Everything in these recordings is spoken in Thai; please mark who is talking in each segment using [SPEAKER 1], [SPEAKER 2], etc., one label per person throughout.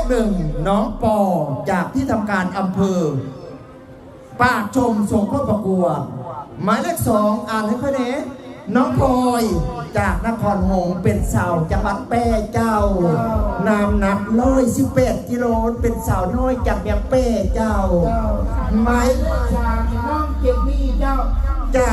[SPEAKER 1] หนึ่งน้องปอจากที่ทำการอำเภอปากชมส่งเข้าประกวดหมายเลขสองอ่านให้ค่อยเน้น้องพลอยจากนครหงส์เป็นสาวจังหวัดแพร่เจ้านามหนัก118 กิโลเป็นสาวน้อยจากเมียงแพร่เจ้าหมาย
[SPEAKER 2] จากน้องเก็บนี่เจ้า
[SPEAKER 1] จาก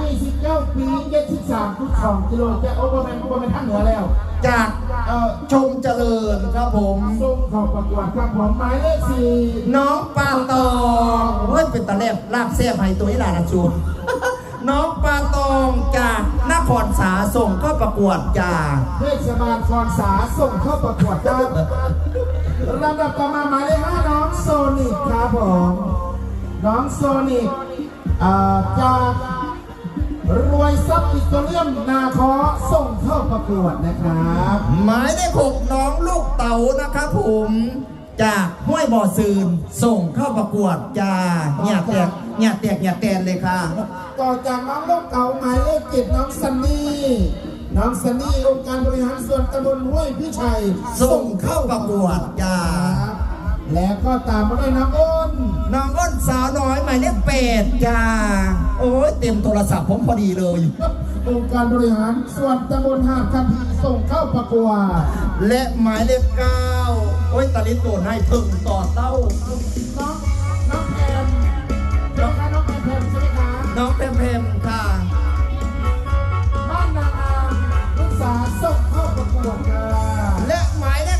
[SPEAKER 2] 29 ปี73.2 กิโลเจ้าโอ้ประมาณท่านเหนือแล้ว
[SPEAKER 1] จากชมเจริญครับผม
[SPEAKER 2] ส่งเข้าประกวดครับผมหมายเลข4
[SPEAKER 1] น้องปาตองเฮ้ยเป็นตะแลบลาบแซ่บให้ตัวนี้ล่ะนะจูน้องปาตองจากนครสาส่งเข้าประกวดจาก
[SPEAKER 2] เทศบาลคอนสาส่งเข้าประกวดครับลำดับต่อมาหมายเลข5น้องโซนิกครับผมน้องโซนิกจากรวยทรัพย์อิตาเลียนนาคอส่งเข้าประกวดนะครับ
[SPEAKER 1] หมายเลข6น้องลูกเต๋านะครับผมจากห้วยบ่อซืนส่งเข้าประกวดจากเนี่ยแตนเลยค่ะ
[SPEAKER 2] ต่อจากน้องลูกเต๋าหมายเลข7น้องซันนี่องค์การบริหารส่วนตำบลห้วยพิชัย
[SPEAKER 1] ส่งเข้าประกวดจาก
[SPEAKER 2] แล้วก็ตามมาด้วยน้อง
[SPEAKER 1] อ้นสาวน้อยหมายเลข8จ้าโอ้ยเต็มโทรศัพท์ผมพอดีเลย
[SPEAKER 2] องค์การบริหารส่วนตำบลหาดคำพีส่งเข้าประกวด
[SPEAKER 1] และหมายเลข9โอ้ยตาลิโตนให้ถึงต่อเต้า
[SPEAKER 2] น้องแพมน้องแพมใช่ไหมคะ
[SPEAKER 1] น้องแพมค่ะ
[SPEAKER 2] บ้านนางอามลูกสาวส่งเข้าประกวดค่ะ
[SPEAKER 1] และหมายเลข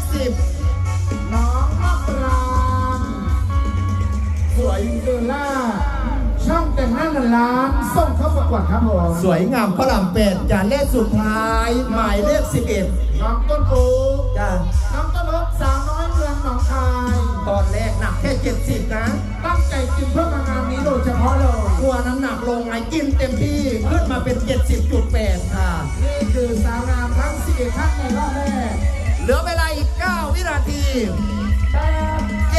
[SPEAKER 1] 10
[SPEAKER 2] น้องมะปรางสวยเดล่าช่องแต่งหน้าล้านส่งเข้าประกวดครับผม
[SPEAKER 1] สวยงามพระราม8จานเลขสุดท้ายหมายเลข11
[SPEAKER 2] น้องต้นโอ๊ก
[SPEAKER 1] จ้า
[SPEAKER 2] น้องต้นโอ๊กสาวน้อยเมืองหนองคาย
[SPEAKER 1] ตอนแรกหนักแค่70นะ
[SPEAKER 2] ตั้งใจกินเพื่องานนี้โดยเฉพาะเลย
[SPEAKER 1] กลัวน้ำหนักลงไงกินเต็มที่ขึ้นมาเป็น70.8ค่ะ
[SPEAKER 2] นี่คือสาวงามทั้ง11ท่านในรอบแรก
[SPEAKER 1] เหลือเวลาอีก9 วินาที7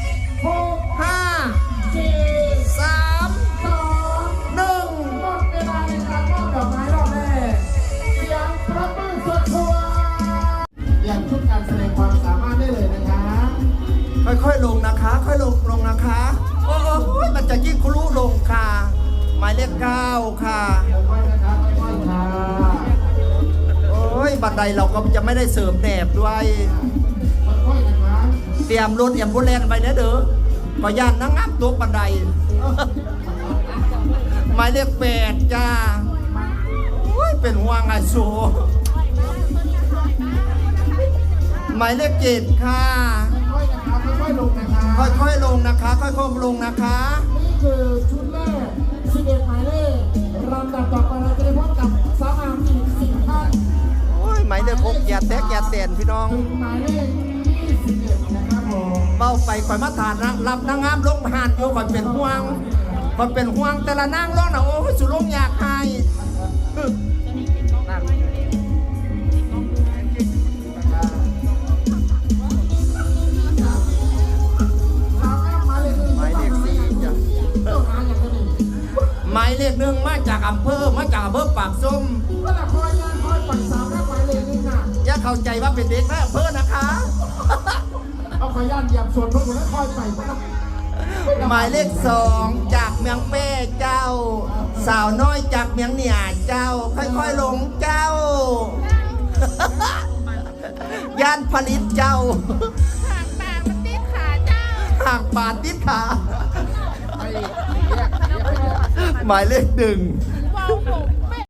[SPEAKER 1] 6 5 4 3 2 1
[SPEAKER 2] หมดเวลาในการมอบดอกไม้รอบแรกเสียงปรบมือสุดทั่วอย่างชุดการแสดงความสามารถได้เลยนะคะ
[SPEAKER 1] ค่อยๆลงนะคะค่อยลงนะคะโอ้ยมันจะยิ่งคลุลงค่ะหมายเลข9ค่ะ
[SPEAKER 2] ค่อยๆนะคะค่อยๆค่ะ
[SPEAKER 1] โอ้ยบันไดเราก็จะไม่ได้เสริมแหนบด้วย
[SPEAKER 2] ค่อยๆนะคะ
[SPEAKER 1] เตรียมรถบุแลนไปนะเด้อก็ย่านนั่งงับตัวบันไดหมายเลข8จ้าโอ้ยเป็นห่วงไงสูหมายเลข7ค่ะ
[SPEAKER 2] ค่อยๆลงนะคะ
[SPEAKER 1] ค่อยๆลงนะคะค่อยๆลงนะคะ
[SPEAKER 2] นี่คือชุดแรก11หมายเลขลำดับต่อไปเราจะได้พบกับสาวงามอีก10ท่าน
[SPEAKER 1] โอ้ยหมายเลข6อย่าแตกอย่าเต้นพี่น้อง
[SPEAKER 2] หมายเลข21นะครับผม
[SPEAKER 1] เบ้าไปข่อยมาฐานนะรับนางงามลงผ่านโยข่อยเป็นห่วงแต่ละนางร้องนะโอ้ยสุลงอยากให้หมายเลข1มาจากอำเภอปากส้ม
[SPEAKER 2] ก็ละคอยย่างคอยปั่นสาวแค่หมายเลข1น่ะ
[SPEAKER 1] อย่าเข้าใจว่าเป็นเด็กนะอำเภอนะคะ
[SPEAKER 2] เอาคอยย่านเหยียบส่วนพวกคุณแล้วคอยไป
[SPEAKER 1] หมายเลข2จากเมืองแป้เจ้าสาวน้อยจากเมืองเหนี่ยเจ้าค่อยๆลงเจ้าย่านผลิตเจ้าห่างบาทติดขาหมายเลข1